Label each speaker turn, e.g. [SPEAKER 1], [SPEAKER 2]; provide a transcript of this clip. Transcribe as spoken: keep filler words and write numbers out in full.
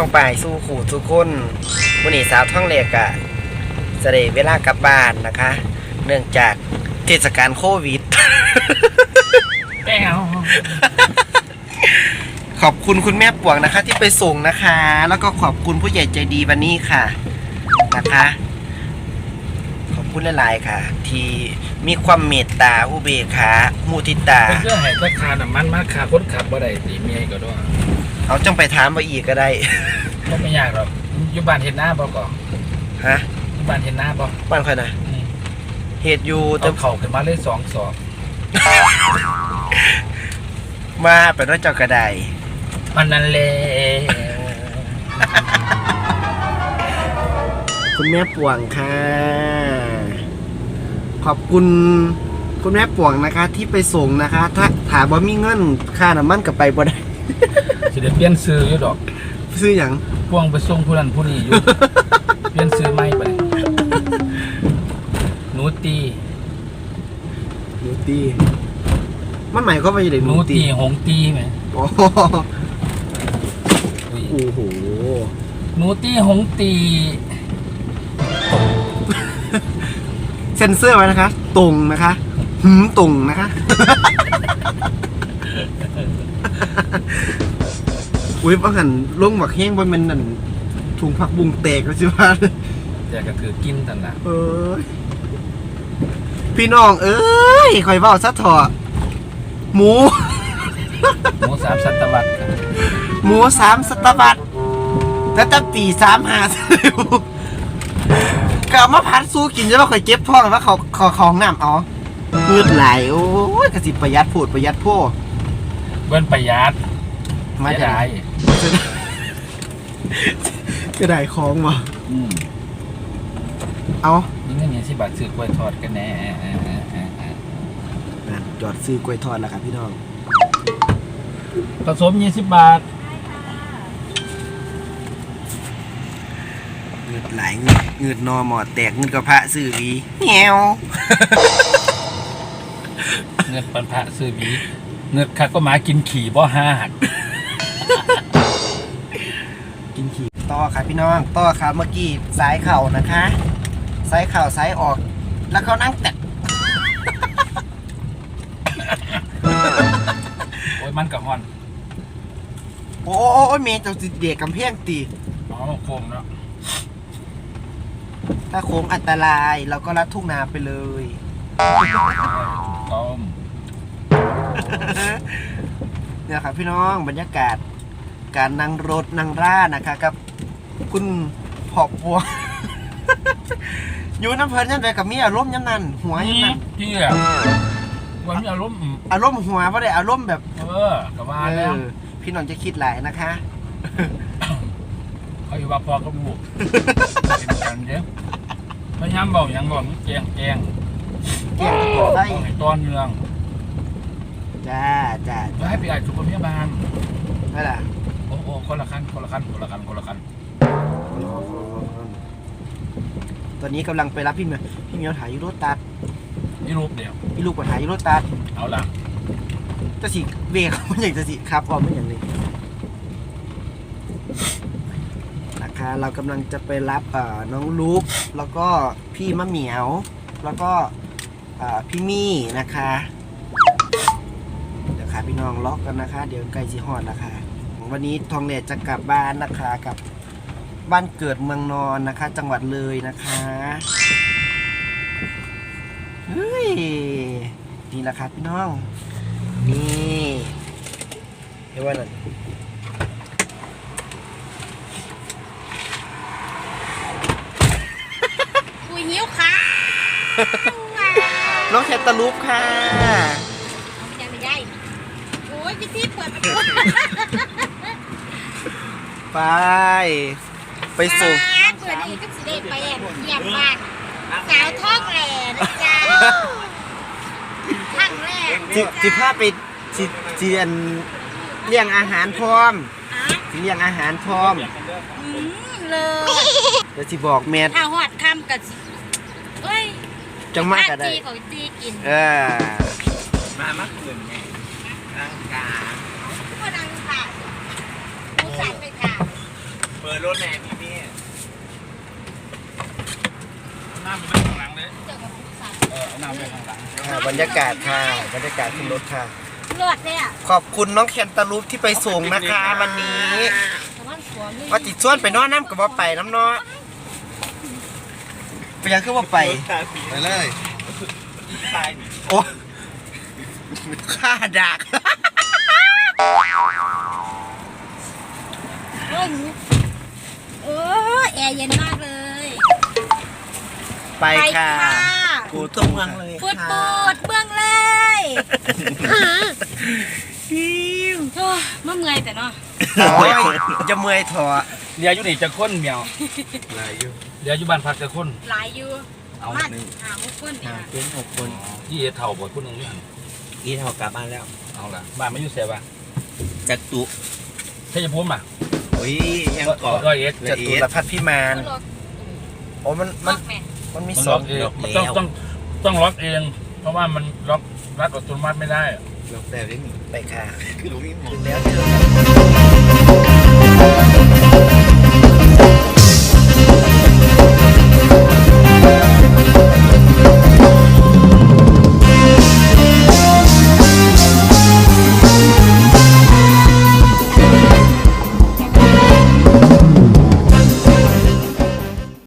[SPEAKER 1] องป่ายสู้ขู่สู้คนวันนี้สาวท่องเหล็กอะจะได้เวลากลับบ้านนะคะ เนื่องจากเทศกาลโควิด
[SPEAKER 2] แก้ว
[SPEAKER 1] ขอบคุณคุณแม่ป่วงนะคะที่ไปส่งนะคะ แล้วก็ขอบคุณผู้ใหญ่ใจดีวันนี้ค่ะนะคะขอบคุณหลายๆค่ะ ที่มีความเมตตาอุเบกขามุทิตา
[SPEAKER 2] เพื่อให้ราคาน้ำมันมาขาคนขับบ่ได้ตีเมียก็ด้วย
[SPEAKER 1] เขาจังไปถามมาอีกก็ได้
[SPEAKER 2] ก็ไม่ยากหรอกอยู่บ้านเห็นหน้าบ่ก่อน
[SPEAKER 1] ฮะ
[SPEAKER 2] อยู่บ้านเห็นหน้าบ่
[SPEAKER 1] บ้านใครนะเหตุอยู่
[SPEAKER 2] จะเข่าขึ้นมาเลยสองสอง
[SPEAKER 1] มาเป็นว่าเจ้ากระได
[SPEAKER 2] มันนั่นเลย
[SPEAKER 1] คุณแม่ป่วงค่ะขอบคุณคุณแม่ป่วงนะคะที่ไปส่งนะคะถ้าถามว่ามีเงินค่าน้ำมันกับไปบ่ได้
[SPEAKER 2] สิเดี๋ยวเปลี่ยนซื้ออยู่ดอก
[SPEAKER 1] ซื้ออย่าง
[SPEAKER 2] พ่วงไปส่งผู้นั้นผู้นี้อยู่เปลี่ยนซื้อไม่ไปหนูตี
[SPEAKER 1] หนูตีมันหมายความว่าอย่างไร
[SPEAKER 2] หนูตีหงตีไหม
[SPEAKER 1] โอ้โห
[SPEAKER 2] หนูตีหงตี
[SPEAKER 1] เซ็นเซอร์ไว้นะคะตรงนะคะหืมตรงนะคะอุ้ยบางหันลงหมักแห้งบนมันนั่นถุงผักบุ้งแตกแล้วใช่ไหม
[SPEAKER 2] แต่ก็คือกินตันละ
[SPEAKER 1] เออพี่น้องเอ้ยคอยเบ้าซะเถอะหมู
[SPEAKER 2] หมูสามสัตวัต
[SPEAKER 1] หมูสามสัตวัตแล้วตั้งปีสามหาสิวก็เอามาพัดสู้กินใช่ไหมคอยเก็บท้องว่าเขาเขาของน้ำอ๋อเลือดไหลโอ้ยกระสิประหยัดพูดประหยัดพ่อ
[SPEAKER 2] เบิ้ลประหยัด
[SPEAKER 1] มาได้จะได้ของวะเอา
[SPEAKER 2] นี่เงินยี่สิบบาทซื้อกล้วยทอดกันแน่
[SPEAKER 1] จอดซื้อกล้วยทอดแล้วครับพี่น้อง
[SPEAKER 2] ผสมยี่สิบบาท
[SPEAKER 1] เงือดไหลเงือดเงือดนอหมอดแตกเงือดกระเพาะซื้อวีแงว
[SPEAKER 2] เงือดปันพระซื้อวีเงือดข้าก็หมากินขี่บ่ห้าหัก
[SPEAKER 1] กินขี่ต่อครับพี่น้องต่อครับเมื่อกี้สายเข่านะคะสายเข่าสายออกแล้วเขานั่งแตะ
[SPEAKER 2] โอ้ยมันกับฮอน
[SPEAKER 1] โอ้ยเมย์จะเด็กกำแพงตี
[SPEAKER 2] อ๋อโค้งเนาะ
[SPEAKER 1] ถ้าโค้งอันตรายเราก็ลัดทุ่งนาไปเลย
[SPEAKER 2] ต้ม
[SPEAKER 1] เนี่ยครับพี่น้องบรรยากาศการนั่งรถนั่งร่านะคะกับคุณผอบบัวอยู่น้ำเพลินยันไปกับมีอารมณ์ยันนั่นหัวยันนั่น
[SPEAKER 2] พี่อะวันมีอารมณ์
[SPEAKER 1] อารมณ์หัวว่าได้อารมณ์แบบ
[SPEAKER 2] เออกับว่าแล้ว
[SPEAKER 1] พี่น้องจะคิดหลายนะคะ
[SPEAKER 2] เขาอยู่ว่าพอกระบุกเป็นกันเยอะไม่ย้ำบอกยังบอกแกงแกง
[SPEAKER 1] แกงได้
[SPEAKER 2] ตอนเมือง
[SPEAKER 1] จ้าจ้า
[SPEAKER 2] จะให้ไปอ่านสุขภาพบ้าน
[SPEAKER 1] นั่นแหละ
[SPEAKER 2] โอ้โหคนละขั้นคนละขั้นคนละขั้นคนละขั้น
[SPEAKER 1] ตอนนี้กำลังไปรับพี่เมียพี่เมียวถ่ายยูโรตัด
[SPEAKER 2] นี่รูปเดียว
[SPEAKER 1] พี่ลูกกว่าถ่ายยูโรตัด
[SPEAKER 2] เอาละ
[SPEAKER 1] จะสิเวกมันอย่างจะสิครับพอไม่อย่างนี้นะคะเรากำลังจะไปรับน้องลูกแล้วก็พี่มะเหมียวแล้วก็พี่มี่นะคะเดี๋ยวค่ะพี่น้องล็อกกันนะคะเดี๋ยวใกล้จีฮอดแล้วค่ะวันนี้ทองเหล็กจะกลับบ้านนะคะกับบ้านเกิดเมืองนอนนะคะจังหวัดเลยนะคะเฮ้ยนี่แหละครับพี่น้องนี่เห็นว่านั่น
[SPEAKER 3] คุยหิวค่ะ
[SPEAKER 1] น้องแคตตาลูปค่ะ
[SPEAKER 3] ยังไม่ได้โอ้ยพี่ที่เปิดประตู
[SPEAKER 1] ไปไปส่ง
[SPEAKER 3] เปิดนี่ก็สิได้ไปแอบเยี่ยมบ้านสาวท้องแหล่นะจ๊ะทั้งแรก
[SPEAKER 1] สิพาไปสิเจียนเลี้ยงอาหารพร้อมสิเลี้ยงอาหารพร้อม
[SPEAKER 3] เลย
[SPEAKER 1] เดี๋ยวสิบอกแม่
[SPEAKER 3] ถ้าหอดคำกับเอ้ย
[SPEAKER 1] จังมากก็ได้
[SPEAKER 3] ของตีกิน
[SPEAKER 1] เออ
[SPEAKER 2] มามาคืนไงร่างกาย
[SPEAKER 3] ก็ดังค่ะผู้ชายไปค่ะ
[SPEAKER 4] เปิดรถแน่พี่พี่
[SPEAKER 2] น้ำไปข้างหลังเลย
[SPEAKER 3] เจอกับผู้ชาย
[SPEAKER 2] เออเอาน้ำไปข้างหลัง
[SPEAKER 1] ค่ะบรรยากาศค่ะบรรยากาศขึ้นรถค่ะ
[SPEAKER 3] เลือดเนี่ย
[SPEAKER 1] ขอบคุณน้องแคนตาลูปที่ไปส่งนะคะ วันนี้
[SPEAKER 3] แต่ว่าหัวเลย
[SPEAKER 1] ว่าติดส่วนไปนอนน้ำกับว่าไปน้ำเนาะไปยังคือว่าไป
[SPEAKER 4] ไปเลยตาย
[SPEAKER 1] โอ้ข้าดัก
[SPEAKER 3] เฮ้ยเออแอร์เย็นมากเลย
[SPEAKER 1] ไปค่ะ
[SPEAKER 4] กูต้องเมืองเลย
[SPEAKER 3] ปวดปวดเบื้องเลยโอ้ยมาเมื่อยแต่เนาะ
[SPEAKER 1] โอ้ยจะเมื่อยถอ
[SPEAKER 2] เรียอยู่นี่จะค้นเมียว
[SPEAKER 4] อะไรอยู่
[SPEAKER 2] เรียอยู่บ้านพักจะค้น
[SPEAKER 3] หลายอยู่
[SPEAKER 2] เอา
[SPEAKER 3] บ้าน
[SPEAKER 2] หนึ่ง
[SPEAKER 3] หาหกคนเนี่ย
[SPEAKER 4] เป็นหกคน
[SPEAKER 2] ที่เอเท่าบ่คนหนึงนี่หั่น
[SPEAKER 4] อีเท่ากลับบ้านแล้ว
[SPEAKER 2] เอาล่ะบ้านไม่อยู่เสียบ้าน
[SPEAKER 4] จัตุ
[SPEAKER 2] ใช่จะพูดมา
[SPEAKER 4] โอ้ยยังเกาะ
[SPEAKER 2] ร้อยเอ็ด
[SPEAKER 1] จตุรพัฒน์พิมาน
[SPEAKER 3] ก็รถ
[SPEAKER 1] โอ้มัน
[SPEAKER 3] ร
[SPEAKER 1] มัน
[SPEAKER 3] ถแม่
[SPEAKER 1] มันมี
[SPEAKER 2] มัน
[SPEAKER 1] ส
[SPEAKER 2] ล็
[SPEAKER 1] อ
[SPEAKER 2] อง กเองมันต้องต้องต้องล็อกเอง เพราะว่ามันล็อกรัดอัตโนมัติไม่ได้
[SPEAKER 4] ลงแต่ได้หนึ่ง
[SPEAKER 1] ไปค่ะ
[SPEAKER 4] คือรู้มีหมอ
[SPEAKER 1] ถึงแล้วเจอกัน